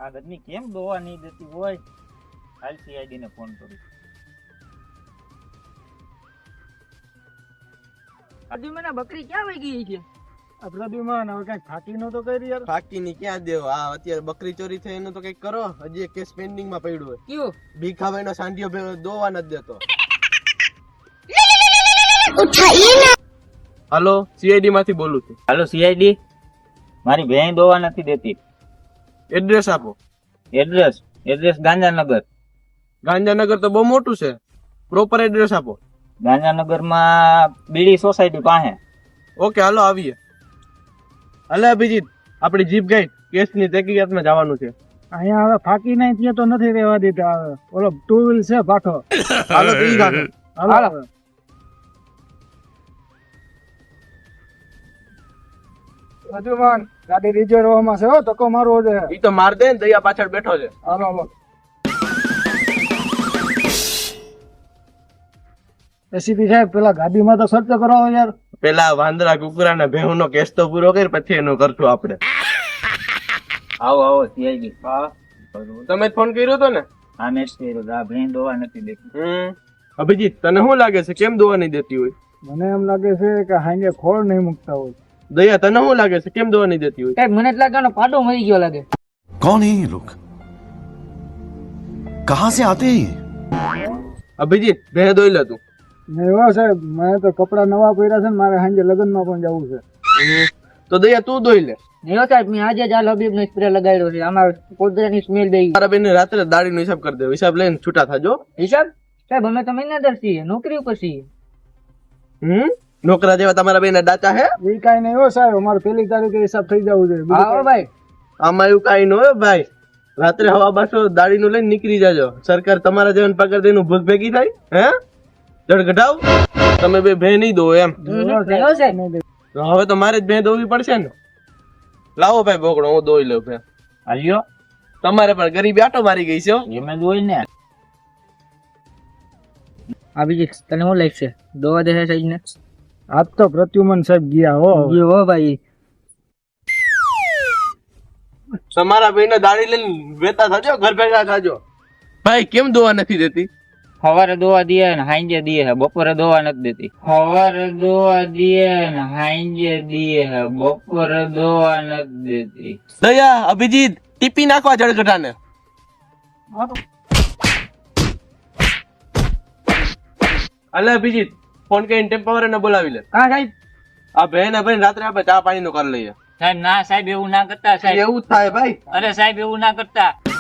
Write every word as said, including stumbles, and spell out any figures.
આ ગદની કેમ દોવા નહીં દેતી હોય? હાલ સીઆઈડી ને ફોન કરું. પ્રદ્યુમન બકરી ક્યાં વહી ગઈ છે? પ્રદ્યુમન હવે કઈક ફાકી નો તો કરી યાર. ફાકી ની ક્યાં દેવ? આ અત્યારે બકરી ચોરી થઈ એનું તો કઈક કરો. હજી એક કેસ પેન્ડિંગ માં પડ્યું હોય. કયો? ભીખાભાઈ નો સાંઢિયો ભેગો દોવા નથી દેતો. હાલો, સીઆઈડી માંથી બોલું છું. હાલો સીઆઈડી, મારી બહેન દોવા નથી દેતી. એડ્રેસ આપો. Address address Gandhinagar. ગાંધીનગર તો બહુ મોટું છે. પ્રોપર એડ્રેસ આપો. ગાંધીનગર માં બીડી સોસાયટી પાસે. ઓકે, હાલો આવીએ. હાલે અભિજીત, આપણી જીપ ગઈ કેસ ની તહકીકાતમાં જવાનું છે. અહીંયા હવે ફાકી નહીં ત્યાં તો નથી રહેવા દેતા. ઓલો ટુ વ્હીલ છે પાછો. હાલો તો ઈ ગાંઠો. હાલો. પ્રદ્યુમન ગાડી રિઝર્વમાં છે હો, ધક્કો મારવો છે. ઈ તો માર દે ને, દયા પાછળ બેઠો છે. હાલો હાલો. એસીપી સાહેબ પેલા ગાડીમાં તો સર્ચ કરાવો યાર. પેલા વાંદરા કુકરા ને ભેહું નો કેસ તો પૂરો કરી, પછી એનું કરશું આપણે. આવો આવો સીઆઈડી. તમે ફોન કર્યો તો ને? હા મેં જ કર્યો. આ બહેન દોવા નથી દેતી. હમ અભિજીત, તને શું લાગે છે કેમ દોવા નહીં દેતી હોય? મને એમ લાગે છે કે હાંગે ખોળ નહીં મૂકતા હોય. દયા, તને શું લાગે છે કેમ દોવા નહીં દેતી હોય? સાહેબ મને જ લાગે પાડો મરી ગયો લાગે. कौन है ये लोग? कहां से आते हैं ये? અભિજીત, ભેહ દોઈ લે તું. નહીં હો સાહેબ, મેં તો કપડા નવા પહેર્યા છે ને મારે સાંજે લગ્નમાં પણ જવું છે. તો દયા તું દોઈ લે. નહીં સાહેબ, મેં આજે જ આ લબીબ નો સ્પ્રે લગાડ્યો છે. આમાં કોદરાની સ્મેલ દઈ. મારા બેન રાત્રે દાડી નો હિસાબ કરી દે. હિસાબ લઈને છૂટા થાજો. હિસાબ સાહેબ અમે તો મહિનાદાર છીએ, નોકરી ઉપર છીએ. હમ નોકરા જેવા તમારા બેન ડાચા હે? એ કાંઈ નહીં હો સાહેબ, અમારે પેલી તારીખે હિસાબ થઈ જવું જોઈએ. બીજું આવો ભાઈ. આમાં એવું કઈ ન હોય ભાઈ. રાત્રે હવા બાસો દાડી નું લઈને નીકળી જાજો. સરકાર તમારા જેવાને પગાર દઈને ભૂખ ભેગી થાય હે? જડ ઘટાવ. તમે બે ભે નહીં દો એમ. થયો સાહેબ. તો હવે તો મારે જ ભે દોવી પડશે ને. લાવો ભાઈ બોકડો, હું દોઈ લઉં ભે. હાલ્યો તમારે પણ ગરીબી આટો મારી ગઈ છે હો. એમ જ હોય ને. આ બીજી તને શું લાગશે? દોવા દે સાહેબ ને? આજ તો પ્રત્યુમન સાહેબ ગયા હો. જી હો ભાઈ. તમારા બેને દાડી લઈને વેતા થાજો, ઘર ભેગા થાજો. ભાઈ કેમ દોવા નથી દેતી? સવારે દોવા દે ને હાંજે દે હે, બપોરે દોવા નથી દેતી. સવારે દોવા દે ને હાંજે દે હે, બપોરે દોવા નથી દેતી. દયા, અભિજીત, ટીપી નાખવા જળગઢાને. અલે અભિજીત, ફોન કરીને ટેમ્પોવર ને બોલાવી લે. હા સાહેબ. આ બેન ભાઈ રાત્રે આપણે ચા પાણી નું કરી લઈએ. સાહેબ ના સાહેબ એવું ના કરતા સાહેબ. એવું જ થાય ભાઈ. અરે સાહેબ એવું ના કરતા.